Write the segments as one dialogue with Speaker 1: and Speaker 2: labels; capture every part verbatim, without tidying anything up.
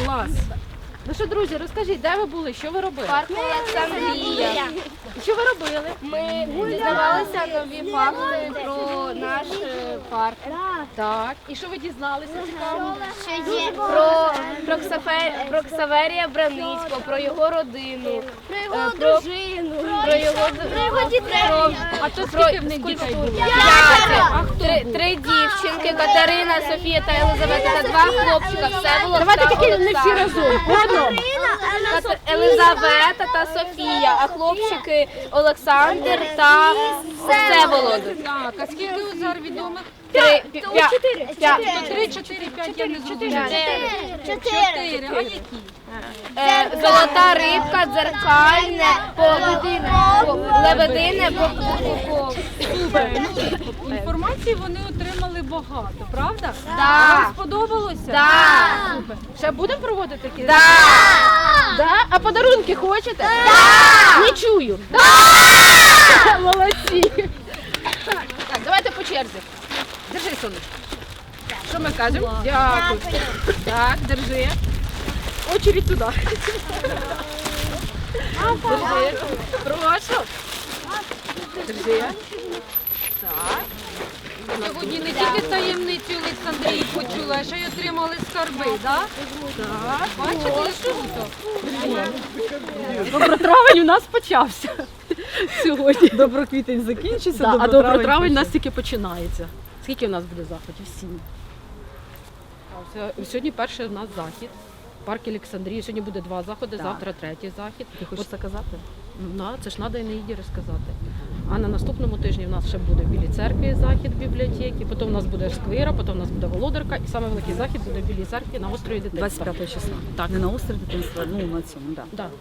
Speaker 1: Клас. Ну що, друзі, розкажіть, де ви були, що ви робили?
Speaker 2: Парк Олександрія.
Speaker 1: Що ви робили?
Speaker 2: Ми дізнавалися нові факти про наш е, парк.
Speaker 1: Так. І що ви дізналися цікаво?
Speaker 2: Про, про, Ксафе, про Ксаверія Браницького, про його родину, про його
Speaker 1: Е,
Speaker 2: дружину, про його, про його дітей.
Speaker 1: А то скільки в них дітей було?
Speaker 2: П'ятеро. Три, три дівчинки, Катерина, Софія та Елизавета, та два хлопчика. Все було.
Speaker 1: Давайте тільки не всі разом. По одному.
Speaker 2: Кат- Елизавета та Софія, а хлопчики Олександр та Всеволод.
Speaker 1: Так, а скільки у зараз відомих?
Speaker 2: Три, п'я- п'я- п'я-
Speaker 1: То три, чотири, п'ять, я не
Speaker 2: Чотири.
Speaker 1: зрозуміла. Чотири. А які?
Speaker 2: Е, Золота рибка, дзеркальне, лебедине, лебедине, бо-
Speaker 1: Інформації вони отримали багато, правда?
Speaker 2: Да.
Speaker 1: Вам сподобалося?
Speaker 2: Да.
Speaker 1: Супер. Ще будемо проводити такі?
Speaker 2: Да.
Speaker 1: Да? А подарунки хочете? Да. Не чую. Да. Молодці. Так, так, давайте по черзі. Держи, сонечко. Що ми кажемо? Дякую. Так, держи. Очередь туди. Держи. Прошу. Держи. Так. Сьогодні не тільки таємницю Олександрії почула, а ще й отримали скарби, так? Так. Бачите, що круто? Добротравень у нас почався сьогодні.
Speaker 3: Доброквітень закінчиться,
Speaker 1: Да, а
Speaker 3: добротравень
Speaker 1: добротравень у нас
Speaker 3: почнеться.
Speaker 1: тільки починається. Скільки у нас буде заходів? Сім. А ось, Сьогодні перший у нас захід. Парк Олександрії. Сьогодні буде два заходи,
Speaker 3: Так.
Speaker 1: завтра третій захід.
Speaker 3: Ти хочеш це казати?
Speaker 1: Ну, да, це ж треба і не їді розказати. А на наступному тижні в нас ще буде в Білій церкві захід в бібліотеці, потім у нас буде сквера, потім у нас буде Володарка, і саме великий захід буде в Білій церкві на острові дитинства.
Speaker 3: двадцять п'ятого числа.
Speaker 1: Так.
Speaker 3: Не на острові дитинства, ну на цьому, так. Да.
Speaker 1: Да.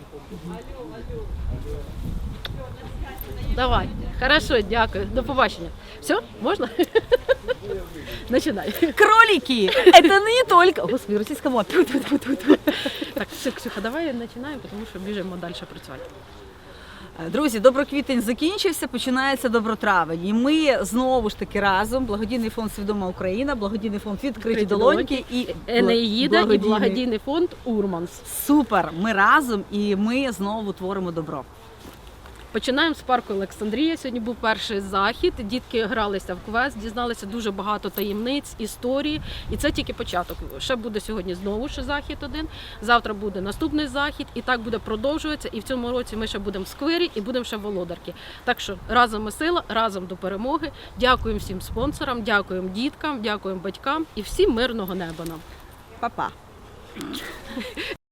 Speaker 1: Давай. Хорошо, дякую. До побачення. Все, можна? Начинай.
Speaker 3: Кролики! Это не только... Господи, російська мова. Тьфу-тьфу-тьфу-тьфу.
Speaker 1: Так, все, Ксюха, давай починаємо, тому що біжимо далі працювати.
Speaker 3: Друзі, доброквітень закінчився, починається добротравень. І ми знову ж таки разом, благодійний фонд «Свідома Україна», благодійний фонд «Відкриті долоньки» і
Speaker 1: Енеїда і
Speaker 3: благодійний-
Speaker 1: благодійний фонд Урманс.
Speaker 3: Супер! Ми разом і ми знову творимо добро.
Speaker 1: Починаємо з парку Олександрія. Сьогодні був перший захід. Дітки гралися в квест, дізналися дуже багато таємниць, історії. І це тільки початок. Ще буде сьогодні знову ще захід один. Завтра буде наступний захід. І так буде продовжуватися. І в цьому році ми ще будемо в сквері і будемо ще в Володарки. Так що разом ми сила, разом до перемоги. Дякуємо всім спонсорам, дякуємо діткам, дякуємо батькам і всім мирного неба нам.
Speaker 3: Па-па!